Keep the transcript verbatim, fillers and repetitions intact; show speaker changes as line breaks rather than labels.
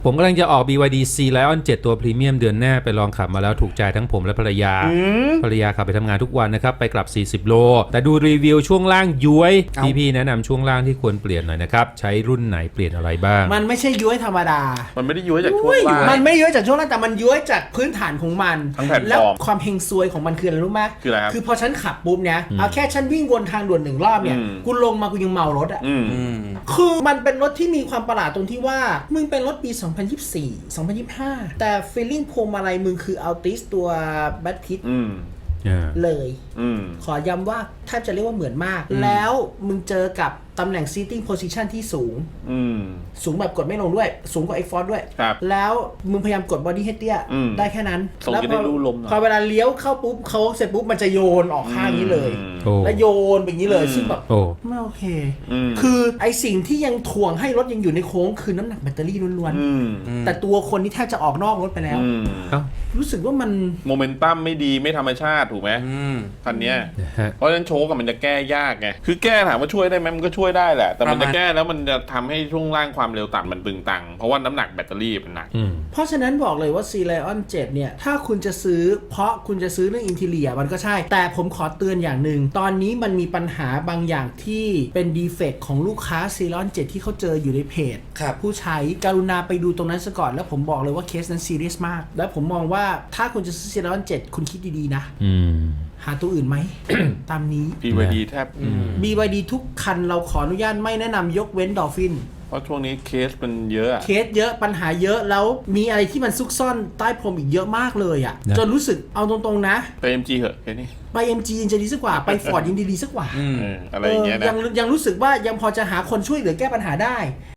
ผมกำลังจะออก บี วาย ดี C Lion เจ็ดตัวพรีเมียมเดือนหน้าไปลองขับมาแล้วถูกใจทั้งผมและภรรยาภรรยาขับไปทำงานทุกวันนะครับไปกลับสี่สิบโลแต่ดูรีวิวช่วงล่างย้วยพี่ๆแนะนำช่วงล่างที่ควรเปลี่ยนหน่อยนะครับใช้รุ่นไหนเปลี่ยนอะไรบ้าง
มันไม่ใช่ย้วยธรรมดา
มันไม่ได้ย้วยจากช่วงล่าง
มันไม่ย้วยจากช่วงล่างแต่มันย้วยจากพื้นฐานของมัน
ทั้งแผ่นฟอร์ม
แล้วความเฮงซวยของมันคืออะไรรู้ไหม
คืออะไรครับ
คือพอฉันขับปุ๊บเนี่ยเอาแค่ฉันวิ่งวนทางด่วนหนึ่งรอบเนี่ยกูลงมากูยังเมารถอ่ะคือมันเป็นรถที่มีความประหลาดตรงที่ว่ามึงเป็นรถปีสองพันยี่สิบสี่ สองพันยี่สิบห้าแต่ feeling พวงมาลัยมึงคือ Altis ตัว Bad Kit เลยขอย้ำว่าแทบจะเรียกว่าเหมือนมากแล้วมึงเจอกับตำแหน่ง seating position ที่สูงสูงแบบกดไม่ลงด้วยสูงกว่า X-Force ด้วยแล้วมึงพยายามกด body head เตี้ยได้แค่นั้น
แล้วพอ
พอเวลาเลี้ยวเข้าปุ๊บเขาเสร็จปุ๊บมันจะโยนออกข้างนี้เลยแล้วโยนแบบนี้เลยซึ่งแบบไม่โอเคคือไอสิ่งที่ยังถ่วงให้รถยังอยู่ในโค้งคือน้ำหนักแบตเตอรี่ล้วนๆแต่ตัวคนนี่แทบจะออกนอกรถไปแล้วรู้สึกว่ามัน
โมเมนตัมไม่ดีไม่ธรรมชาติถูกไหมคันนี้เพราะฉะนั้นโชคกับมันจะแก้ยากไงคือแก้ถามว่าช่วยได้ไหมมันก็ช่วยได้แหละแต่มันจะแก้แล้วมันจะทำให้ช่วงล่างความเร็วต่ำมันบึงตังเพราะว่าน้ำหนักแบตเตอรี่มันหนัก
เพราะฉะนั้นบอกเลยว่า C Lion เจ็ดเนี่ยถ้าคุณจะซื้อเพราะคุณจะซื้อเรื่องอินทีเรียมันก็ใช่แต่ผมขอเตือนอย่างหนึ่งตอนนี้มันมีปัญหาบางอย่างที่เป็นดีเฟกต์ของลูกค้า C Lion เจ็ดที่เขาเจออยู่ในเพจผู้ใช้กรุณาไปดูตรงนั้นซะก่อนแล้วผมบอกเลยว่าเคสนั้นซีเรียสมากแล้วผมมองว่าถ้าคุณจะซื้อ C Lion เจ็ดคุณคิดดีๆนะหาตัวอื่นไหม ตามนี้
บี วาย ดี แทบ
บี วาย ดี ทุกคันเราขออนุญาตไม่แนะนำยกเว้นดอลฟิน
เพราะช่วงนี้เคสมันเยอะ
เคสเยอะปัญหาเยอะแล้วมีอะไรที่มันซุกซ่อนใต้พรมอีกเยอะมากเลยอ่ะจนรู้สึกเอาตรงๆนะ
ไป เอ็ม จี เหอะแค่นี้
ไป เอ็ม จี ยังจะดีสักกว่าไป Ford ยังดีๆสักกว่า
อะไรอย่างเงี้ยนะ
ยังยังรู้สึกว่ายังพอจะหาคนช่วยเหลือแก้ปัญหาได้